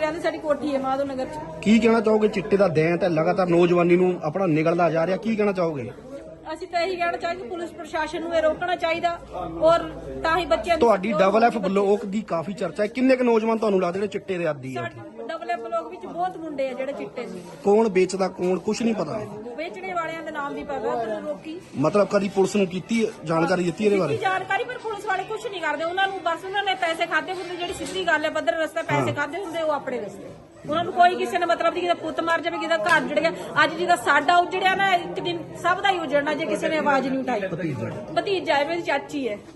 ਰਹਿੰਦੇ, ਸਾਡੀ ਕੋਠੀ ਹੈ ਮਾਧੋ ਨਗਰ ਚ। ਕੀ ਕਹਿਣਾ ਚਾਹੋਗੇ? ਚਿੱਟੇ ਦਾ ਦੈਂਤ ਹੈ ਲਗਾਤਾਰ ਨੌਜਵਾਨੀ ਨੂੰ ਆਪਣਾ ਨਿਗਲਦਾ ਜਾ ਰਿਹਾ, ਕੀ ਕਹਿਣਾ ਚਾਹੋਗੇ? ਅਸੀਂ ਤਾਂ ਇਹੀ ਕਹਿਣਾ ਚਾਹੀਦਾ, ਪੁਲਿਸ ਪ੍ਰਸ਼ਾਸਨ ਨੂੰ ਇਹ ਰੋਕਣਾ ਚਾਹੀਦਾ, ਔਰ ਤਾਂ ਹੀ ਬੱਚਿਆਂ ਤੁਹਾਡੀ ਡਬਲ ਐਫ ਬਲੋਕ ਦੀ ਕਾਫੀ ਚਰਚਾ ਹੈ, ਕਿੰਨੇ ਕੁ ਨੌਜਵਾਨ ਤੁਹਾਨੂੰ ਲੱਗਦੇ ਜਿਹੜੇ ਚਿੱਟੇ ਦੇ ਆਦੀ ਆ? ਡਬਲ ਐਫ ਬਲੋਕ ਵਿੱਚ ਬਹੁਤ ਮੁੰਡੇ ਆ ਜਿਹੜੇ ਚਿੱਟੇ ਸੀ। ਕੌਣ ਵੇਚਦਾ ਕੌਣ ਕੁਝ ਨਹੀਂ ਪਤਾ, ਵੇਚਣੇ ਵਾਲਿਆਂ ਦੇ ਨਾਮ ਦੀ ਪਤਾ, ਪਰ ਰੋਕੀ ਮਤਲਬ ਕਦੀ ਪੁਲਿਸ ਨੂੰ ਕੀਤੀ ਜਾਣਕਾਰੀ ਦਿੱਤੀ ਇਹਦੇ ਬਾਰੇ? ਜਾਣਕਾਰੀ, ਪਰ ਪੁਲਿਸ ਵਾਲੇ ਕੁਝ ਨਹੀਂ ਕਰਦੇ। ਉਹਨਾਂ ਨੂੰ ਬਸ ਉਹਨਾਂ ਨੇ ਪੈਸੇ ਖਾਦੇ ਹੁੰਦੇ, ਜਿਹੜੀ ਸਿੱਧੀ ਗੱਲ ਹੈ ਪੱਧਰ ਰਸਤੇ ਪੈਸੇ ਖਾਦੇ ਹੁੰਦੇ, ਉਹ ਆਪਣੇ ਰਸਤੇ। ਉਹਨਾਂ ਨੂੰ ਕੋਈ ਕਿਸੇ ਨੇ ਮਤਲਬ ਨਹੀਂ, ਕਿਦਾ ਪੁੱਤ ਮਰ ਜਾਵੇ, ਕਿਦਾ ਘਰ ਉਜੜ ਗਿਆ। ਅੱਜ ਜਿਹਦਾ ਸਾਡਾ ਉਜੜਿਆ ਨਾ, ਇੱਕ ਦਿਨ ਸਭ ਦਾ ਹੀ ਉਜੜਨਾ ਜੇ ਕਿਸੇ ਨੇ ਆਵਾਜ਼ ਨਹੀਂ ਉਠਾਈ। ਭਤੀਜਾ ਹੈ, ਮੇਰੀ ਚਾਚੀ ਹੈ।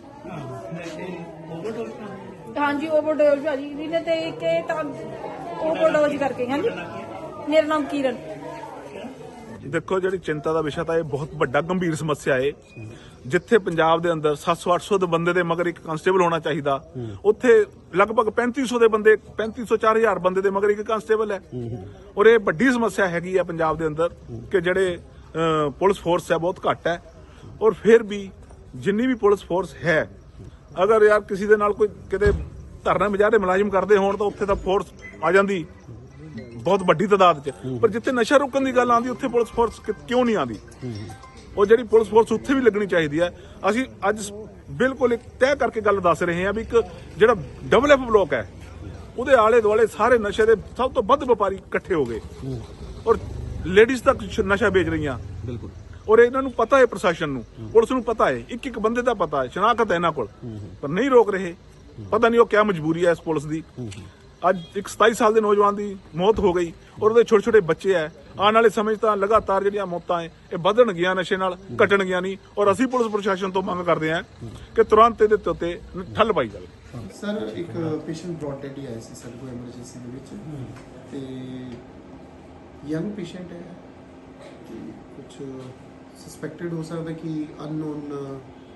ਹਾਂਜੀ ਓਵਰਡੋਜ਼ ਭਾਜੀ ਜਿਹਨੇ ਤੇ ਇੱਕ ਤਾਂ ਓਵਰਡੋਜ਼ ਕਰਕੇ। ਹਾਂਜੀ ਮੇਰਾ ਨਾਮ ਕਿਰਨ। देखो जी चिंता का विषय था, ये बहुत बड़ा गंभीर समस्या है। जिथे पंजाब के अंदर 700-800 के बंदे दे मगर एक कांस्टेबल होना चाहिए, उत्थे लगभग 3500 के बंदे 3500-4000 बंदे दे मगर एक कांस्टेबल है। और ये बड़ी समस्या हैगी है पंजाब के अंदर कि जेडे पुलिस फोर्स है बहुत घट है। और फिर भी जिन्नी भी पुलिस फोर्स है, अगर यार किसी दे नाल कोई किते धरना मुजाहरे मुलाजिम करते होण तां उत्थे तां फोर्स आ जांदी बहुत बड़ी तादाद च। पर जिथे नशा रोकने की गल आती उत्थे पुलिस फोर्स क्यों नहीं आती? और जिहड़ी पुलिस फोर्स उत्थे भी लगनी चाहिए है। असीं अज बिल्कुल एक तय करके गल दस रहे हैं भी एक जिहड़ा डबल एफ ब्लॉक है उहदे आले दुआले सारे नशे दे सब तो वध व्यापारी इकट्ठे हो गए और लेडीज तक नशा बेच रही। बिल्कुल। और इन्हां नूं पता है, प्रशासन नूं पुलिस नूं पता है, एक एक बंदे दा पता है, शनाख्त है इन्हां कोल, पर नहीं रोक रहे। पता नहीं वो क्या मजबूरी है इस पुलिस दी। ਅੱਜ ਇੱਕ 27 ਸਾਲ ਦੇ ਨੌਜਵਾਨ ਦੀ ਮੌਤ ਹੋ ਗਈ ਔਰ ਉਹਦੇ ਛੋਟੇ ਛੋਟੇ ਬੱਚੇ ਐ। ਆਉਣ ਵਾਲੇ ਸਮੇਂ 'ਚ ਤਾਂ ਲਗਾਤਾਰ ਜਿਹੜੀਆਂ ਮੌਤਾਂ ਐ ਇਹ ਵਧਣ ਗਈਆਂ, ਨਸ਼ੇ ਨਾਲ ਘਟਣ ਗਈਆਂ ਨਹੀਂ। ਔਰ ਅਸੀਂ ਪੁਲਿਸ ਪ੍ਰਸ਼ਾਸਨ ਤੋਂ ਮੰਗ ਕਰਦੇ ਹਾਂ ਕਿ ਤੁਰੰਤ ਇਹਦੇ ਉੱਤੇ ਠੱਲ ਪਾਈ ਜਾਵੇ। ਸਰ ਇੱਕ ਪੇਸ਼ੈਂਟ ਬ੍ਰੌਡ ਡੈਡ ਹੀ ਆਇਆ ਸੀ ਸਾਡੇ ਕੋਲ ਐਮਰਜੈਂਸੀ ਦੇ ਵਿੱਚ, ਤੇ ਯੰਗ ਪੇਸ਼ੈਂਟ ਹੈ ਕਿ ਕੁਝ ਸਸਪੈਕਟਡ ਹੋ ਸਕਦਾ ਕਿ ਅਨਨੋਨ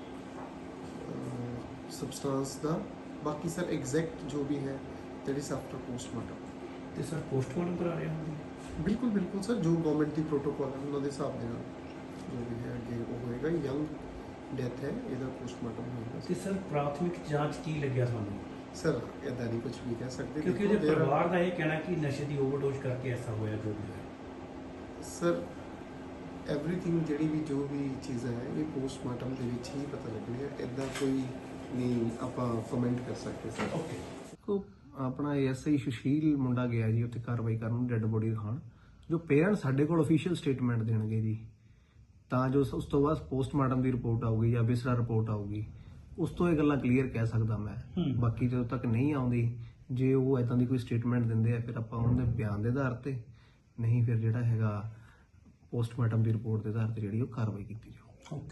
ਸਬਸਟੈਂਸ ਦਾ। ਬਾਕੀ ਸਰ ਐਗਜ਼ੈਕਟ ਜੋ ਵੀ ਹੈ that is after postmortem। ਤੇ ਸਰ ਪੋਸਟਮਾਰਟਮ ਕਰਾ ਰਹੇ ਹੋ? ਬਿਲਕੁਲ ਬਿਲਕੁਲ ਸਰ, ਜੋ ਗਵਰਨਮੈਂਟ ਦੀ ਪ੍ਰੋਟੋਕੋਲ ਹੈ ਉਹਨਾਂ ਦੇ ਹਿਸਾਬ ਦੇ ਨਾਲ ਜੋ ਵੀ ਹੈ ਅੱਗੇ ਉਹ ਹੋਏਗਾ। ਯੰਗ ਡੈਥ ਹੈ, ਇਹਦਾ ਪੋਸਟਮਾਰਟਮ ਹੋਏਗਾ। ਤੇ ਸਰ ਪ੍ਰਾਥਮਿਕ ਜਾਂਚ ਕੀ ਲੱਗਿਆ ਤੁਹਾਨੂੰ? ਸਰ ਇਦਾਂ ਨਹੀਂ ਕੁਝ ਵੀ ਕਹਿ ਸਕਦੇ ਕਿਉਂਕਿ ਇਹਦੇ ਪਰਿਵਾਰ ਦਾ ਇਹ ਕਹਿਣਾ ਕਿ ਨਸ਼ੇ ਦੀ ਓਵਰਡੋਜ਼ ਕਰਕੇ ਐਸਾ ਹੋਇਆ ਜੋ ਵੀ ਹੋਇਆ। ਸਰ ਐਵਰੀਥਿੰਗ ਜਿਹੜੀ ਵੀ ਜੋ ਵੀ ਚੀਜ਼ਾਂ ਹੈ ਇਹ ਪੋਸਟਮਾਰਟਮ ਦੇ ਵਿੱਚ ਹੀ ਪਤਾ ਲੱਗਣੀ ਹੈ, ਇਦਾਂ ਕੋਈ ਨਹੀਂ ਆਪਾਂ ਕਮੈਂਟ ਕਰ ਸਕਦੇ ਸਰ। ਓਕੇ। ਆਪਣਾ ਐਸਆਈ ਸੁਸ਼ੀਲ ਮੁੰਡਾ ਗਿਆ ਜੀ ਉੱਥੇ ਕਾਰਵਾਈ ਕਰਨ, ਡੈੱਡ ਬੋਡੀ ਦਿਖਾਉਣ। ਜੋ ਪੇਰੈਂਟਸ ਸਾਡੇ ਕੋਲ ਅਫੀਸ਼ੀਅਲ ਸਟੇਟਮੈਂਟ ਦੇਣਗੇ ਜੀ, ਤਾਂ ਜੋ ਉਸ ਤੋਂ ਬਾਅਦ ਪੋਸਟਮਾਰਟਮ ਦੀ ਰਿਪੋਰਟ ਆਊਗੀ ਜਾਂ ਵਿਸਰਾ ਰਿਪੋਰਟ ਆਊਗੀ, ਉਸ ਤੋਂ ਇਹ ਗੱਲਾਂ ਕਲੀਅਰ ਕਹਿ ਸਕਦਾ ਮੈਂ। ਬਾਕੀ ਜਦੋਂ ਤੱਕ ਨਹੀਂ ਆਉਂਦੀ, ਜੇ ਉਹ ਇਦਾਂ ਦੀ ਕੋਈ ਸਟੇਟਮੈਂਟ ਦਿੰਦੇ ਆ ਫਿਰ ਆਪਾਂ ਉਹਨਾਂ ਦੇ ਬਿਆਨ ਦੇ ਆਧਾਰ ਤੇ, ਨਹੀਂ ਫਿਰ ਜਿਹੜਾ ਹੈਗਾ ਪੋਸਟਮਾਰਟਮ ਦੀ ਰਿਪੋਰਟ ਦੇ ਆਧਾਰ ਤੇ ਜਿਹੜੀ ਉਹ ਕਾਰਵਾਈ ਕੀਤੀ ਜਾਊ।